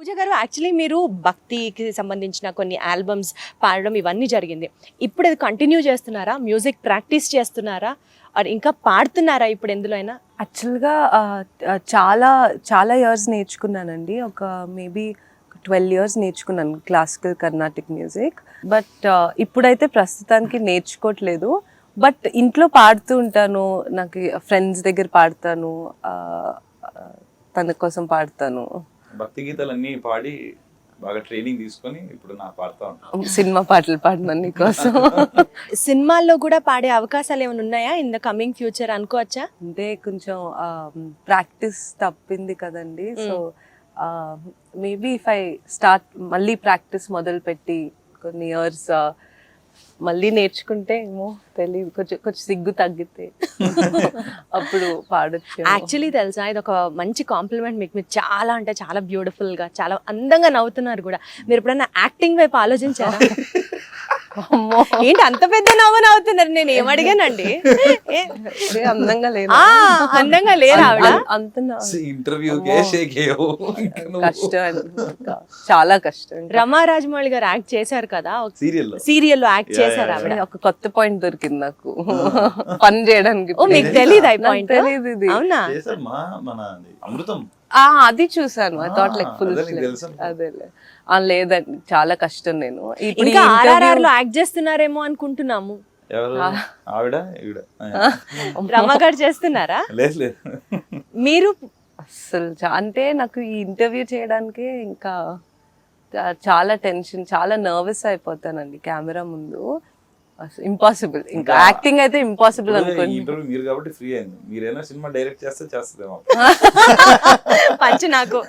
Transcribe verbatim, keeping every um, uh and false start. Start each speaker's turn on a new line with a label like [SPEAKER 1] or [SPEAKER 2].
[SPEAKER 1] పూజ గారు యాక్చువల్లీ మీరు భక్తికి సంబంధించిన కొన్ని ఆల్బమ్స్ పాడడం ఇవన్నీ జరిగింది. ఇప్పుడు అది కంటిన్యూ చేస్తున్నారా? మ్యూజిక్ ప్రాక్టీస్ చేస్తున్నారా? ఆర్ ఇంకా పాడుతున్నారా ఇప్పుడు ఎందులో అయినా?
[SPEAKER 2] యాక్చువల్గా చాలా చాలా ఇయర్స్ నేర్చుకున్నానండి. ఒక మేబీ ట్వెల్వ్ ఇయర్స్ నేర్చుకున్నాను క్లాసికల్ కర్ణాటిక్ మ్యూజిక్. బట్ ఇప్పుడైతే ప్రస్తుతానికి నేర్చుకోవట్లేదు. బట్ ఇంట్లో పాడుతూ ఉంటాను, నాకు ఫ్రెండ్స్ దగ్గర పాడతాను, తన కోసం పాడతాను.
[SPEAKER 3] భక్తి గీతాలన్నీ పాడి బాగా ట్రైనింగ్ తీసుకొని ఇప్పుడు నా పాడుతూ ఉంటాను.
[SPEAKER 2] సినిమా పాటలు పాడినాను నీకోసం.
[SPEAKER 1] సినిమాల్లో కూడా పాడే అవకాశాలు ఏమైనా ఉన్నాయా ఇన్ ద కమింగ్ ఫ్యూచర్ అనుకోవచ్చా?
[SPEAKER 2] అంటే కొంచెం ప్రాక్టీస్ తప్పింది కదండి. So maybe if I start మళ్ళీ ప్రాక్టీస్ మొదలు పెట్టి కొన్ని ఇయర్స్ మళ్ళీ నేర్చుకుంటే ఏమో తెలియదు, కొంచెం కొంచెం సిగ్గు తగ్గితే అప్పుడు పాడొచ్చు.
[SPEAKER 1] యాక్చువల్లీ తెలుసా, ఇది ఒక మంచి కాంప్లిమెంట్ మీకు. మీరు చాలా అంటే చాలా బ్యూటిఫుల్ గా, చాలా అందంగా నవ్వుతున్నారు కూడా. మీరు ఎప్పుడైనా యాక్టింగ్ వైపు ఆలోచించారా? ఏంటి అంత పెద్ద నవ్వు నవ్వుతున్నారు? నేను ఏం అడిగానండి?
[SPEAKER 2] అందంగా లేదు,
[SPEAKER 1] అందంగా లేరా ఆవిడ?
[SPEAKER 2] అంత
[SPEAKER 3] ఇంటర్వ్యూ
[SPEAKER 2] కష్టం, చాలా కష్టం.
[SPEAKER 1] రమా రాజమౌళి గారు యాక్ట్ చేశారు కదా
[SPEAKER 3] సీరియల్
[SPEAKER 1] సీరియల్లో యాక్ట్ చేశారు ఆవిడ.
[SPEAKER 2] ఒక కొత్త పాయింట్ దొరికింది నాకు పని చేయడానికి.
[SPEAKER 1] ఓ మీకు తెలీదు ఆ పాయింట్?
[SPEAKER 2] తెలీదు ఇది.
[SPEAKER 1] అవునా?
[SPEAKER 3] మన అమృతం
[SPEAKER 2] అది చూసాను. ఐ థాట్ లైక్ ఫుల్ అదేలే. లేదండి, చాలా కష్టం. నేను
[SPEAKER 1] ఇంకా ఆర్ఆర్ఆర్ లో యాక్ట్ చేస్తున్నారేమో అనుకుంటున్నాము.
[SPEAKER 3] ఆవిడ
[SPEAKER 1] రమా గారు చేస్తున్నారా?
[SPEAKER 3] లేదు లేదు.
[SPEAKER 1] మీరు
[SPEAKER 2] అసలు అంటే నాకు ఈ ఇంటర్వ్యూ చేయడానికే ఇంకా చాలా టెన్షన్, చాలా నర్వస్ అయిపోతానండి కెమెరా ముందు. ఇంపాసిబుల్. ఇంకా యాక్టింగ్ అయితే ఇంపాసిబుల్ అనుకోండి.
[SPEAKER 3] ఇంటర్వ్యూ మీరు కాబట్టి ఫ్రీ అయింది. మీరైనా సినిమా డైరెక్ట్ చేస్తే చేస్తుందేమో.
[SPEAKER 1] పంచి నాకు